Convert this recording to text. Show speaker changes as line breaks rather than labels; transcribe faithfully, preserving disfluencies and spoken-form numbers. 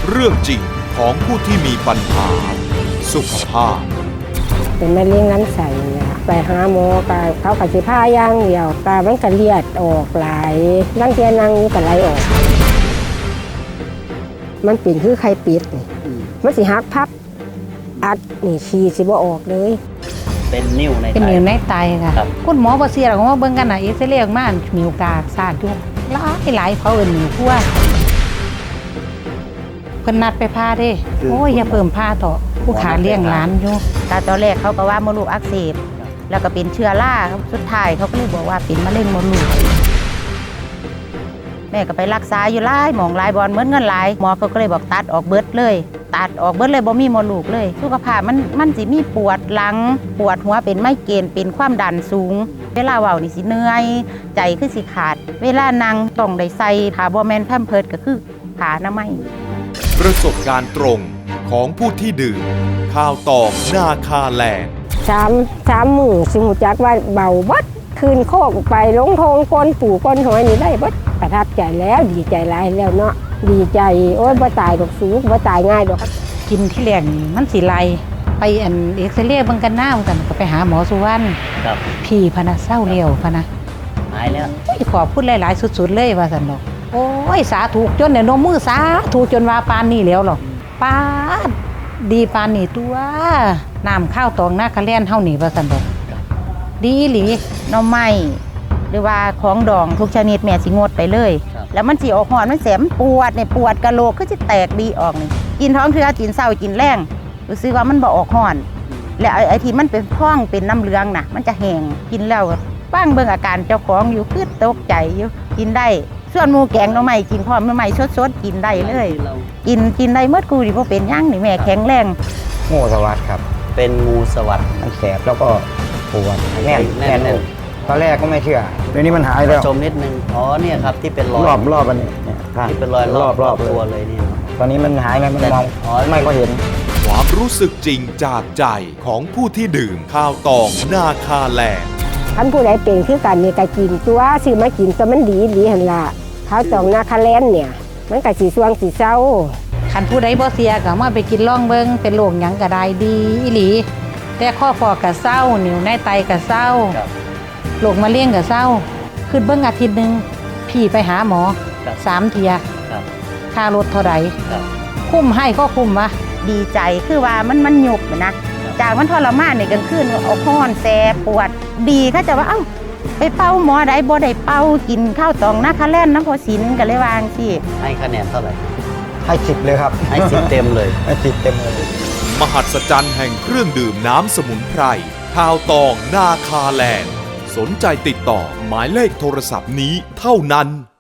เรื่องจริงของผู้ที่มีปัญหาสุขภาพ
เป็นมะเร็งลำไส้เนี่ยไปหาหมอก็เขาก็สิพาอย่างเดียวก็มันก็เลือดออกหลายบางทีนั่งอยู่ก็ไหลออกมันเป็นคือไข้ปิดนี่มันสิหักพับอัดนี่ฉี่สิบ่ออกเลย
เป็นนิ่วในไต
เป็นนิ่วในไตค่ะคุณหมอบ่เสียหรอกว่าเบิ่งกันน่ะเอ็กซเรย์ออกมามีโอกาสสาดอยู่หลายหลายเขาเอิ้นนิ่วคั่วเพิ่นนัดไปพาเด้โอ้ยอย่าเพิ่มพาต่อผู้ขาเลี้ยงหลานอยู่
แต่ตอนแรกเขาก็ว่ามดลูกอักเสบแล้วก็เป็นเชื้อราสุดท้ายเขาก็เลยบอกว่าเป็นมะเร็งมดลูกแม่ก็ไปรักษาอยู่หลายหมองหลายบอลเหมือนเงินหลายหมอเขาก็เลยบอกตัดออกเบิดเลยตัดออกเบิดเลยบ่มีมดลูกเลยสุขภาพมันมันสิมีปวดหลังปวดหัวเป็นไมเกรนเป็นความดันสูงเวลาเว้านี่สิเหนื่อยใจคือสิขาดเวลานั่งต้องได้ใส่ผ้าบ่แม่นแพมเพิร์สก็คือผ้าอนามัย
ประสบการณ์ตรงของผู้ที่ดื่มข้าวตอกนาคาแลนด์
สามสามมือสิหูจักว่าเบาบัดคืนโคกไปลงทงก้นปู่ก้นหอยนี่ได้บัดประทับใจแล้วดีใจหลายแล้วเนาะดีใจโอ้ยบ่ตายดอกสูงบ่ตายง่ายดอก
กินที่แรกนี่มันสิไลไปอันเอ็กซเรย์เบิ่งกันหน้ากันก็ไปหาหมอสุวรรณ
ครับ
พี่พะนะเศร้าเลี้ยวพะนะ
หายแล้ว
ขอพูดหลายๆสุดๆเลยว่าซั่นดอกโอ้ยสาธุจนเนี่ยนมมือสาธุจนว่าปานนี้แล้วหรอปาดดีปานนี่ตัวน้ำข้าวตองนาคาแลนเฮานี่ว่าซั่นดอกดีหลี
หน่อไม้หรือว่าของดองทุกชนิดแม่สิงดไปเลยแล้วมันสิออกหอนมันแสบปวดเนี่ยปวดกะโหลกก็จะแตกบีออกนี่กินท้องเทื่อกินเศร้ากินแรงรู้สึกว่ามันบ่ออกหอนและไอ้ที่มันเป็นท้องเป็นน้ำเหลืองน่ะมันจะแห้งกินแล้วบ้างเบิ่งอาการเจ้าของอยู่คือตกใจอยู่กินได้ส่วนหมูแกงหน่อไม้กินพร้อมหน่อไม้สดๆกินได้เลยกินกินได้เมื่อกูดิบ่เป็นยังนี่แม่แข็งแรง
งูสวัสดิ์ครับ
เป็นงูสวัสดิ์
มันแสบแล้วก็ปวดแน่นแน่นตอนแรกก็ไม่เชื่อเดี๋ยวนี้มันหายแล้ว
ชมนิดนึงอ๋อเนี่ยครับที่เป็นรอย
รอบรอบอันนี้
ที่เป็นรอยรอบรอบตัวเลยนี่
ตอนนี้มันหายแล้วมันมองไม่ก็เห็น
ความรู้สึกจริงจากใจของผู้ที่ดื่มข้าวตองนาคาแลนด์
ท่านผู้ใดเป็นคือกันนี่ก็กินตัวซื้อมากินตัวมันดีดีหั่นล่ะข้าวตองนาคาแลนด์เนี่ยมันก็สิสวงสิเศร้า
คันผู้ใดบ่เสียก็มาไปกินล่องเบิ่งเป็นโรคหยังก็ได้ดีอีหลีแต่ข้อฟอกก็เศร้านิ่วในไตก็เศร้าโรคมะเร็งก็เศร้าขึ้นเบิ่งอาทิตย์นึงพี่ไปหาหมอสามเที่ยค่ารถเท่าใดคุ้มให้ก็คุ้มวะ
ดีใจคือว่ามันมันหยุบนะจากมันทรมานในกลางคืนเอาห้อนแสบปวดดีถ้าจะว่าเอ้าไปเป้าหมอใดบ่ได้เป้ากินข้าวตองนาคาแลนด์น้ำพอสินกันเลยวางสิ
ให้คะแนนเท่าไหร่
ให้สิบเลยครับ
ให้สิบเต็มเลย
ให้สิบเต็มเลย
มหัศจรรย์แห่งเครื่องดื่มน้ำสมุนไพรข้าวตองนาคาแลนด์สนใจติดต่อหมายเลขโทรศัพท์นี้เท่านั้น